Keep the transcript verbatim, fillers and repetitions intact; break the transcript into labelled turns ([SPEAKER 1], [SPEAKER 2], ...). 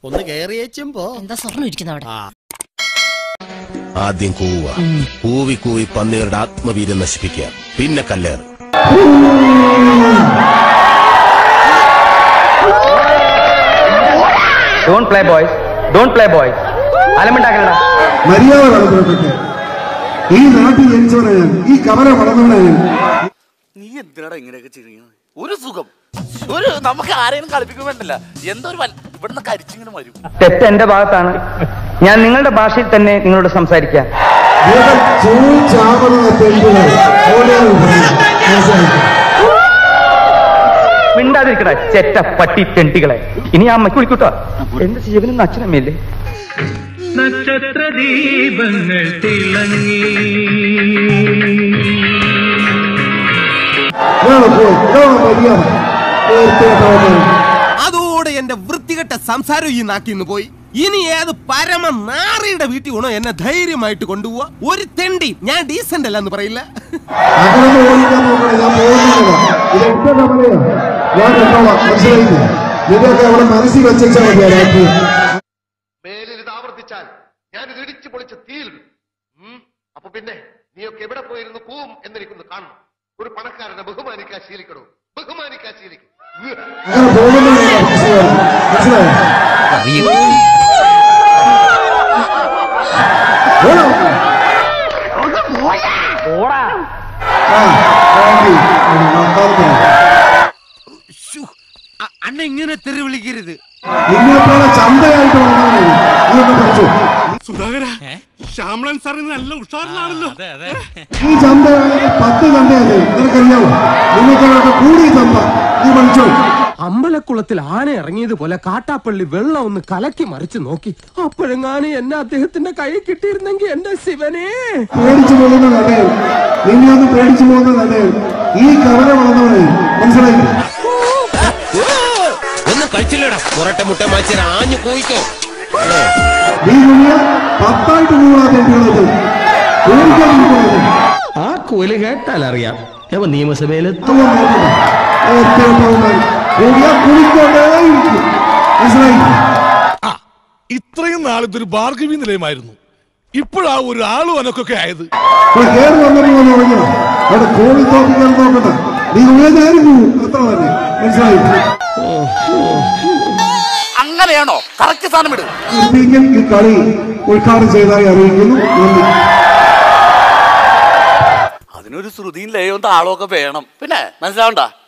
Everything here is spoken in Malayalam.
[SPEAKER 1] ഒന്ന് കേറിയേച്ചുമ്പോ
[SPEAKER 2] എന്താ സ്വർണ്ണം ഇരിക്കുന്ന അവിടെ.
[SPEAKER 3] ആദ്യം കൂവ, കൂവി കൂവി പന്നികളുടെ ആത്മവീര്യം നശിപ്പിക്കുക, പിന്നെ കല്ലേറ്.
[SPEAKER 4] Don't play boys. Don't play boys. അലമുണ്ടാക്കലടാ.
[SPEAKER 5] മര്യാദ വളർത്തപ്പെട്ടെ ഈ നാട്ടിൽ ജനിച്ചവനാണ്, ഈ കവല വളർന്നവനാണ്.
[SPEAKER 6] നീ എന്തിനാടാ ഇങ്ങനെയൊക്കെ ചെയ്യുന്നത്? ഒരു സുഖം, ഒരു നമുക്ക് ആരെയും കളിപ്പിക്കാൻ വേണ്ടില്ല. എന്തൊരു ഇവിടുന്ന് കരിച്ചിങ്ങനെ വരും.
[SPEAKER 4] തെറ്റ് എന്റെ ഭാഗത്താണ്. ഞാൻ നിങ്ങളുടെ ഭാഷയിൽ തന്നെ നിങ്ങളോട് സംസാരിക്കാം. മിണ്ടാതിരിക്കട ചെറ്റ പട്ടി തെണ്ടികളെ. ഇനി ആ അമ്മയ്ക്ക് വിളിക്കൂട്ടോ. എന്റെ ജീവനും അച്ഛനമ്മയല്ലേ. നക്ഷത്ര ദീപങ്ങൾ തിളങ്ങി
[SPEAKER 1] അതോടെ എന്റെ വൃത്തികെട്ട സംസാരം ഈ നാട്ടിന്ന് പോയി. ഇനി ഏത് പരമ നാറിയുടെ വീട്ടിൽ വേണോ എന്നെ ധൈര്യമായിട്ട് കൊണ്ടുപോവാ. ഒരു തെണ്ടി ഞാൻ ഡീസന്റ് അല്ല എന്ന് പറയില്ല.
[SPEAKER 5] മനസ്സിൽ വെച്ചാൽ
[SPEAKER 7] മേലിൽ ഇത് ആവർത്തിച്ചാൽ ഞാൻ ഇത് ഇടിച്ചു പൊളിച്ച് തീരും. അപ്പൊ പിന്നെ നീയൊക്കെ എവിടെ പോയിരുന്നു പോവും എന്നെനിക്കൊന്ന് കാണണം. ഒരു പണക്കാരനെ ബഹുമാനിക്കാൻ ശീലിക്കണോ? ബഹുമാനിക്കാൻ ശീലിക്കും.
[SPEAKER 1] അണ്ണ ഇങ്ങനെ തെറി വിളിക്കരുത്.
[SPEAKER 5] ചന്തയായിട്ട്
[SPEAKER 7] സുധാകര, ശ്യാമളൻ സാറിന് നല്ല ഉഷാറിലാണല്ലോ.
[SPEAKER 5] ഈ ചന്ത പത്ത് ചന്തയല്ലേ നിനക്കറിയാവോ? നിങ്ങൾക്ക് കൂടിയ ചന്ത നീ പഠിച്ചോ.
[SPEAKER 8] അമ്പലക്കുളത്തിൽ ആന ഇറങ്ങിയതുപോലെ കാട്ടാപ്പള്ളി വെള്ളം ഒന്ന് കലക്കി മറിച്ച് നോക്കി. അപ്പോഴെങ്ങാനും എന്നെ അദ്ദേഹത്തിന്റെ കൈ കിട്ടിയിരുന്നെങ്കിൽ എന്റെ ശിവനെ.
[SPEAKER 5] പേടിച്ചു പോകുന്ന കഥയിൽ നിന്നെ ഒന്ന് പേടിച്ചു പോകുന്ന കഥയിൽ ഈ കവല വളർന്നവനെ മനസ്സിലായി.
[SPEAKER 3] ഒന്നും കഴിച്ചില്ലടാ പുറട്ടെ മുട്ട മാറ്റി ആഞ്ഞു പോയിക്കോ.
[SPEAKER 5] നീ കുഞ്ഞ പത്തായിട്ട് കൂടാതെ
[SPEAKER 8] ആ കോല് കേട്ടാൽ അറിയാം അവ നിയമസഭയിലെത്തും.
[SPEAKER 7] ഇത്രയും നാളിതൊരു ഭാർഗവി നിലയമായിരുന്നു. ഇപ്പോഴാ ഒരു ആളും അനക്കൊക്കെ ആയത്.
[SPEAKER 5] കയറി വന്നപ്പോൾ അവിടെ കോഴി തോപ്പിക്കാൻ നോക്കണ്ട. നീ ഉയർന്നായിരുന്നു അത്ര തന്നെ മനസ്സിലായി.
[SPEAKER 6] അങ്ങനെയാണോ? കറക്റ്റ് സാധനം ഇടും.
[SPEAKER 5] ഈ കളി ഉദ്ഘാടനം ചെയ്തതായി അറിയിക്കുന്നു.
[SPEAKER 6] അതിനൊരു ശ്രുതിയും ലയവും താളവും ഒക്കെ വേണം. പിന്നെ മനസ്സിലാവണ്ട.